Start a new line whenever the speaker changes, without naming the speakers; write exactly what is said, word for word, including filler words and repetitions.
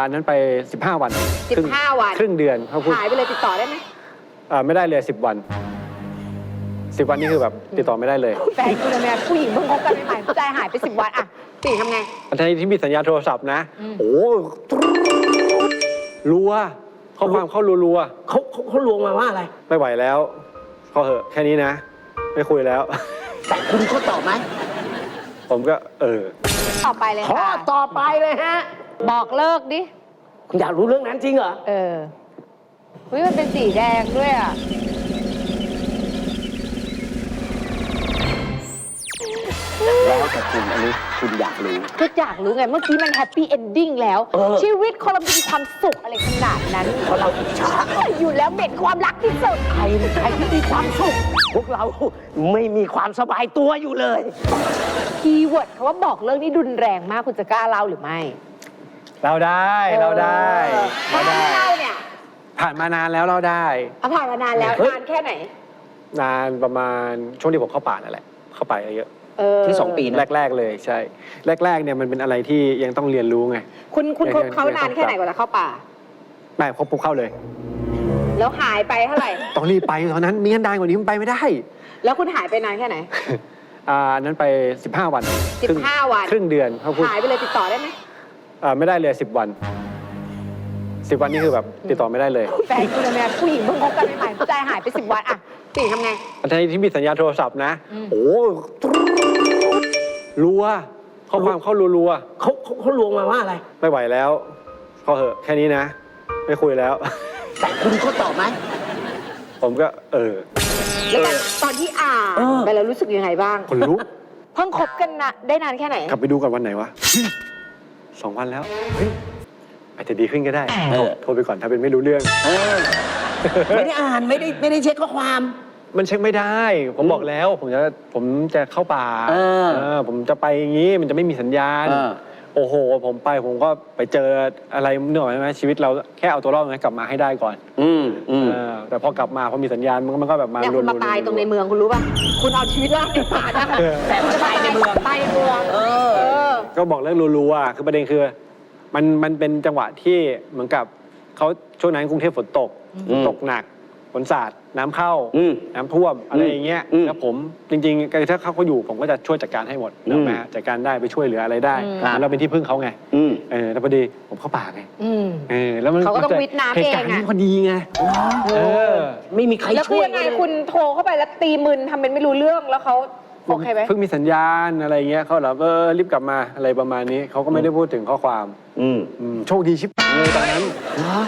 นั้นไปสิบห้าวัน
สิบห้าวัน
ครึ่งเดือนเขาพูด
หายไปเลยติดต่อได้ไหม
อ่าไม่ได้เลยสิบวันสิบวันนี่คือแบบติดต่อไม่ได้เลย
แฟนคุณเนี่ยผู้หญิงเพิ่งคบกันใหม่ๆผู้ชายหายไปสิบวันอะติทำไง
อันที่มีสัญญาณโทรศัพท์นะ
อืม
โอ้รัวข้อความเข้ารัว
เขาเขาเขาลวงมาว่าอะไร
ๆไม่ไหวแล้วพอเหอะแค่นี้นะ ไม่คุยแล้ว
แต่คุณเขาตอบไหม
ผมก็เออ
ต่อไปเลย
ข้อ
ค่ะ
ต่อไปเลยฮะ
บอกเลิกดิ
คุณอยากรู้เรื่องนั้นจริงเหรอ
เออเฮ้ยมันเป็นสีแดงด้วยอ่ะ
แล้วแต่คุณอันนี้คุณอยากรู้
ก็อยากรู้ไง เมื่อกี้มันแฮปปี้เอนดิ้งแล้ว
เออ
ชีวิตคนเรามีความสุขอะไรขนาดนั้น
เพราะเราอิจฉา
อยู่แล้วเบ็ดความรักที่สุด
ใครใครที่มีความสุข พวกเราไม่มีความสบายตัวอยู่เลย
คีย์เวิร์ดคำว่าบอกเลิกนี่รุนแรงมากคุณจะกล้าเล่าหรือไม่
เราได้เราได้เรา
ถ้า
ได้
ไม่เล่าเนี่ย
ผ่านมานานแล้วเราได้
เอาผ่านมานานแล้ว
เฮ้ย
นานแค่ไหน
นานประมาณช่วงที่ผมเข้าป่านั่นแหละเข้าไปเยอะ
เออ
ที่สองปีนะ
แรกๆเลยใช่ แรกๆเนี่ยมันเป็นอะไรที่ยังต้องเรียนรู้ไง
คุณคุณคบ
เดี๋ยว
เขานานแค่ไหนกว่าจะเข้าป่า
ไม่ครบปุ๊บเข้าเลย
แล้วหายไปเท่าไหร่
ต้องรีบไปตอนนั้นมีกันดานกว่านี้มันไปไม่ได้
แล้วคุณหายไปนานแค่ไหน
อ่านั้นไปสิบห้าวัน
สิบห้าวัน
ครึ่งเดือนเขาพูด
หายไปเลยติดต่อได้ไหม
อ่าไม่ได้เลยสิบวันสิบวันนี่คือแบบติดต่อไม่ได้เลย
แฟนคุณเนี่ยผู้หญิงเพิ่งคบกันใหม่ๆผู้ชายหายไปสิบวันอะติทำไง
อันที่มีสัญญาณโทรศัพท์นะ
อืม
โอ้รัวข้อความเข้ารัว
เขาเขาเขาลวงมาว่าอะไร
ๆไม่ไหวแล้วพอเหอะแค่นี้นะ ไม่คุยแล้ว
แต่คุณเขาตอบไหม
ผมก็เออ
แล้วตอนตอนที่อ่าน
เออ
ไปแล้วรู้สึกยังไงบ้าง
คนลุก
เพิ่งคบกันนะได้นานแค่ไหน
กลับไปดูกันวันไหนวะสองวันแล้วเฮ้ยอาจจะดีขึ้นก็ได้
เออ
โทรไปก่อนถ้าเป็นไม่รู้เรื่อง
เออไม่ได้อ่านไม่ได้ไม่ได้เช็คข้อความ
มันเช็คไม่ได้ ผมบอกแล้ว ผมจะผมจะเข้าป่า
เออ
เออผมจะไปอย่างนี้มันจะไม่มีสัญญาณ
เออ
โอ้โห ผมไปผมก็ไปเจออะไรเนื่อยไหมชีวิตเราแค่เอาตัวรอดไงกลับมาให้ได้ก่อน
อืมอืม
เออแต่พอกลับมาพอมีสัญญาณมันก็มันก็แบบมา
เนี่ยคุณมา
รัวๆ
ตายตรงในเมืองคุณรู้ป่ะ คุณเอาชีวิตรอดในป่าได้
เออ
แต่คุณจะตายในเมืองตายในเมือง
เออ
เออ
ก็บอกเรื่องรัวๆคือประเด็นคือมันมันเป็นจังหวะที่เหมือนกับเขาช่วงนั้นกรุงเทพฝนตก
อืม
ตกหนักฝนสาดน้ำเข้า
อืม
น้ำท่วมอะไรอย่างเงี้ย
อืม
แล้วผมจริงๆถ้าเขาเขาอยู่ผมก็จะช่วยจัดการให้หมด
อืม
นะแม่จัดการได้ไปช่วยเหลืออะไรได้
อืม
เหมือนเราเป็นที่พึ่งเขาไง
อืม
เออแล้วพอดีผมเข้าป่าไง
อืม
เออแล้วมัน
เขาก็ต้อง
จะ
วิทย์น้ำ
เหตุการณ์
เองอะ
นี้พอดีไงเออ
ไม่มีใคร
แล้วคื
ช่
อ
วย
ยังไง
เลย
คุณโทรเข้าไปแล้วตีมึนทำเป็นไม่รู้เรื่องแล้วเขาโอเคไหม
เพิ่งมีสัญญาณอะไรเงี้ยเขาแบบเออรีบกลับมาอะไรประมาณนี้เขาก็ไม่ได้พูดถึงข้อความ
อืม
อืมโชคดีชิบเลยตอนนั้น